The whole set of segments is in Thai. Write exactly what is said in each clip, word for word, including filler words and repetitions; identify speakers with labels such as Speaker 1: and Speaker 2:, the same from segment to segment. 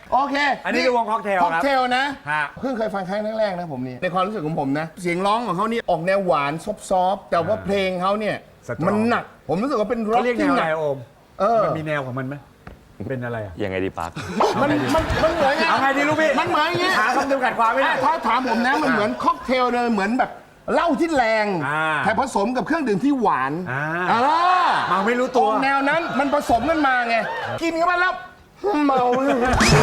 Speaker 1: โอเค
Speaker 2: อันนี้คือวงค็อกเทล
Speaker 1: ค็อกเทลนะ
Speaker 2: ฮะ
Speaker 1: เพิ่งเคยฟังครั้งแรกๆนะผมนี่ในความรู้สึกของผมนะเสียงร้องของเขานี่ออกแนวหวานซอฟๆแต่ว่าเพลงเขาเนี่ยมันหนักผมรู้สึกว่าเป็นร็อก
Speaker 2: เขาเรียกแน
Speaker 1: ที่
Speaker 2: ว
Speaker 1: ห
Speaker 2: อะไร
Speaker 1: นัก
Speaker 2: โอม
Speaker 1: เออ
Speaker 2: มันมีแนวของมันไหมเป็นอะไรอ่ะ
Speaker 3: ยังไงดีปัก
Speaker 1: มันมันมันเหมือนไง
Speaker 2: เอาไงดีลูกพี่
Speaker 1: มันเหมือนอย่างงี้
Speaker 2: หาคำจำกัดความไม่ได้
Speaker 1: ถ้าถามผมนะมันเหมือนค็อกเทลเลยเหมือนแบบเหล้าที่แรง
Speaker 2: อ่า
Speaker 1: แต่ผสมกับเครื่องดื่มที่หวาน
Speaker 2: อ่า
Speaker 1: อ่า
Speaker 2: เมาไม่รู้ตัว
Speaker 1: ออกแนวนั้นมันผสมกันมาไงกินเข้าไปแล้วเมาเลย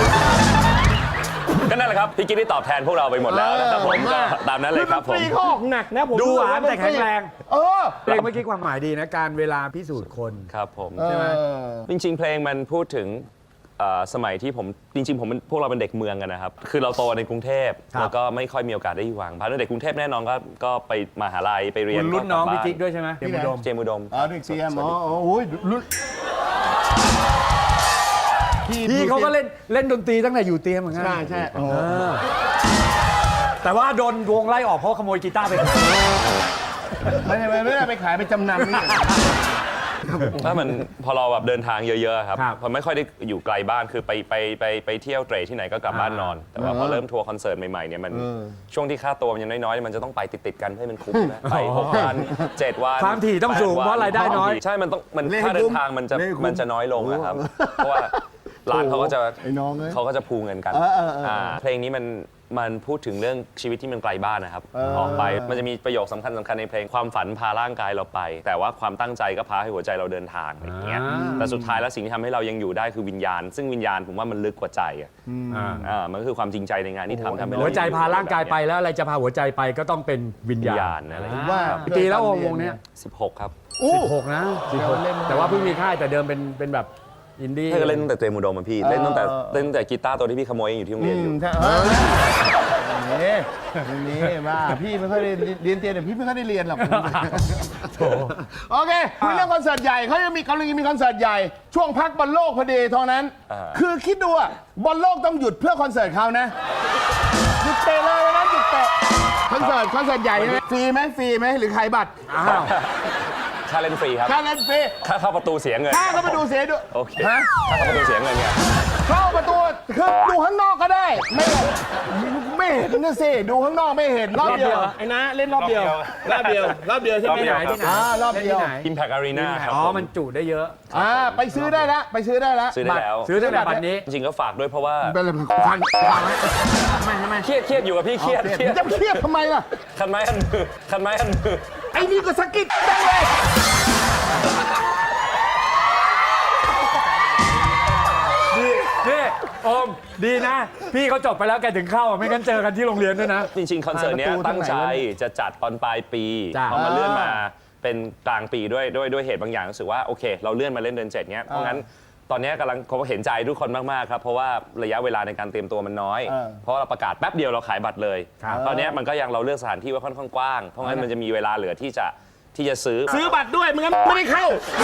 Speaker 3: ก็นั่นแหละครับ พี่กิ๊ดได้ตอบแทนพวกเราไปหมดแล้วนะครับผมก็ตามนั้นเลยครับผม
Speaker 1: ดนตรีเขาออกหนักนะผม
Speaker 2: ดูหวานแต่แข็งแรง
Speaker 1: เออ
Speaker 2: เพลงเมื่อกี้ความหมายดีนะการเวลาพิสูจน์คน
Speaker 3: ครับผม
Speaker 1: ใช่ไหม
Speaker 3: จริงๆ เพลงมันพูดถึงเอ่อสมัยที่ผมจริงๆผมเป็นพวกเราเป็นเด็กเมืองกันนะครับ คือเราโตในกรุงเทพ
Speaker 2: ครับ
Speaker 3: แล้วก็ไม่ค่อยมีโอกาสได้อยู่วังพาร์ทเด็กกรุงเทพแน่นอนก็ก็ไปมหาลัยไปเรียน
Speaker 2: คุณรุ่นน้อง
Speaker 3: ก็กลั
Speaker 2: พี่
Speaker 3: บบ้า
Speaker 2: จิ๊กด้วยใช่ไหมเจมส์อุดม
Speaker 3: เจมส์อุดม
Speaker 1: อ๋อเด็กเซียมอ๋อโอ้ยรุ่น
Speaker 2: พี่เขาก็เล่นเล่นดนตรีตั้งแต่อยู่เตรียมเหมือนกัน
Speaker 1: ใช่ใช่โอ้
Speaker 2: เออแต่ว่าโดนวงไล่ออกเพราะขโมยกีตาร์ไป
Speaker 1: ไม่ได้ไม่ได้ไปขายไปจำนำนี่
Speaker 3: ถ้ามันพอเราแบบเดินทางเยอะๆครับ
Speaker 2: ครับ
Speaker 3: พอไม่ค่อยได้อยู่ไกลบ้านคือไปไปไปไปเที่ยวเตรที่ไหนก็กลับบ้านนอน แต่ว่าพอเริ่มทัวร์คอนเสิร์ตใหม่ๆเนี่ยมันช่วงที่ค่าตัวมันยังน้อยๆมันจะต้องไปติดๆกันให้มันคุ้มนะไปหกวันเจ็ดวัน
Speaker 2: ความถี่ต้องสูง
Speaker 3: แปดวัน
Speaker 2: เพราะรายได้น้อย
Speaker 3: ใช่มันต้องมัน
Speaker 1: เล่น
Speaker 3: ค่าเดิ
Speaker 1: คุ้
Speaker 3: น
Speaker 1: ม
Speaker 3: ทางมันจะ
Speaker 1: เล่นคุ้ม
Speaker 3: มันจะน้อยลงนะครับเพราะว่าร้านเขาก็จะ
Speaker 1: ไอ้น้องเอ้ย
Speaker 3: เขาก็จะพูเงินกัน
Speaker 1: เออเออเอออ่
Speaker 3: าเพลงนี้มันมันพูดถึงเรื่องชีวิตที่มันไกลบ้านนะครับ
Speaker 1: เออ
Speaker 3: ออกไปมันจะมีประโยคสำคัญสำคัญในเพลงความฝันพาร่างกายเราไป แต่ว่าความตั้งใจก็พาให้หัวใจเราเดินทางอะไรอย่างเงี้ย
Speaker 2: อ่า
Speaker 3: แต่สุดท้ายแล้วสิ่งที่ทำให้เรายังอยู่ได้คือวิญญาณ ซึ่งวิญญาณผมว่ามันลึกกว่าใจอ่ะ
Speaker 2: อ่า
Speaker 3: อ่ามันก็คือความจริงใจในงานที่ทำทำให้เร
Speaker 2: หัวใจพาร่างกายไปแล้วอะไรจะพาหัวใจไปก็ต้องเป็นวิญ
Speaker 3: วิญ
Speaker 2: ญา
Speaker 3: ญา
Speaker 2: ณ
Speaker 3: ณอะไรอย่าง
Speaker 1: ผม
Speaker 3: เงี้ย
Speaker 1: ว่า
Speaker 2: กี่ปีแล้ววงเนี้ย
Speaker 3: สิบหกครับ
Speaker 2: สิบหกนะสิบหกแต่ว่าเพิ่งมีค่ายแต่เดิมเป็นเป็นแบบอินดี้
Speaker 3: ให้ก็เล่นตั้งแต่เจมูโดมอะพี่เล่นตั้งแต่เล่นตั้งแต่กีตาร์ตัวที่พี่ขโมยอยู่ที่โรง
Speaker 1: อื
Speaker 3: เรียนอ
Speaker 1: ม
Speaker 3: ยู่
Speaker 1: ใช่เออนี่นี่ว่าพี่ไม่ค่อยได้เรียนเตียนแต่พี่ไม่ค่อยได้เรียนหรอกโอเคคุยเรื่องคอนเสิร์ตใหญ่เขายังมีกำลังมีคอนเสิร์ตใหญ่ ช่วงพักบอลโลกพอดีเท่านั้น
Speaker 3: อ่า
Speaker 1: คือคิดดูอะบอลโลกต้องหยุดเพื่อคอนเสิร์ตเขานะหยุดเตะเลยวันนั้นหยุดเตะคอนเสิร์ตคอนเสิร์ตใหญ่ใช่ไหมฟรีไหมฟรีไหมหรือขายบัตร
Speaker 2: อ้าว
Speaker 3: ค่าเล่นฟรีครับ
Speaker 1: ค่าเล่นฟรี
Speaker 3: ค่าเข้าประตูเสียเงิน
Speaker 1: ค่าเข้าประตูเสียด้วย
Speaker 3: โอเค
Speaker 1: ฮะ
Speaker 3: ค่าเข้าประตูเสียเงินไง
Speaker 1: เข้าประตูคือดูข้างนอกก็ได้ ไม่ไม่เห็นนะสิดูข้างนอกไม่เห็นรอบเดียวไอ้นะเล่นรอบเดียวรอบเดียวรอบเดียวใช่ไหม
Speaker 2: ที่ไหนที่ไหน
Speaker 1: อ่ารอบเดียว
Speaker 2: ที่ไหน
Speaker 3: Impact Arena ครับ
Speaker 2: อ๋อ
Speaker 3: ผ
Speaker 2: มันจุได้เยอะ
Speaker 1: อ่าไปซื้อได้แล้วไปซื้อได้แล้ว
Speaker 3: ซื้อได้แล้ว
Speaker 2: ซื้อตั้งแต่บัตรนี้
Speaker 3: จริงๆก็ฝากด้วยเพราะว่า
Speaker 1: เป็นอะไรพันพันไหมทำไมทำไม
Speaker 3: เครียดเครียดอยู่กับพี่เครียดเครียด
Speaker 1: จะเครียดทำไมล่ะ
Speaker 3: คันไม้คันมือคันไม้คันมือ
Speaker 1: ไอ้นี่ก็สะกิดได้เลย
Speaker 2: ดีนี่โอมดีนะ พี่เขาจบไปแล้วแกถึงเข้าอ่ะไม่งั้นเจอกันที่โรงเรียนด้วยนะ
Speaker 3: จริง ๆ คอนเสิร์ตเนี้ยตั้งใจจะจัดตอนปลายปี
Speaker 2: จ้ะ
Speaker 3: พอมาเลื่อนมาเป็นกลางปีด้วยด้วยด้วยเหตุบางอย่างรู้สึกว่าโอเค เราเลื่อนมาเล่นเดือนเจ็ดเนี้ยเพราะงั้นตอนเนี้ยกำลังเขาเห็นใจทุกคนมากๆครับเพราะว่าระยะเวลาในการเตรียมตัวมันน้อย เพราะเราประกาศแป๊บเดียวเราขายบัตรเลย
Speaker 2: ครับ
Speaker 3: ตอนเนี้ยมันก็ยังเราเลือกสถานที่ไว้ค่อนข้างกว้างเพราะงั้นมันจะมีเวลาเหลือที่จะที่จะซื้อ
Speaker 1: ซื้อบัตรด้วยไม่งั้นไม่ได้เข้า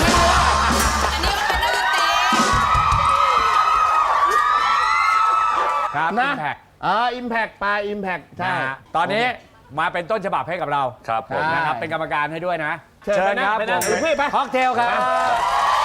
Speaker 2: ครับ
Speaker 1: นะ
Speaker 2: Impact
Speaker 1: อ่าอิมแพกปลาอิมแพกใช่
Speaker 2: นะฮะตอนนี้มาเป็นต้นฉบับให้กับเรา
Speaker 3: ครับผม
Speaker 2: นะครับเป็นกรรมการให้ด้วยนะ
Speaker 1: เชิญ
Speaker 2: ครับ
Speaker 1: ไปนั่ง
Speaker 2: ผม
Speaker 1: ไปนั่งไป
Speaker 2: ค็อกเทลครับ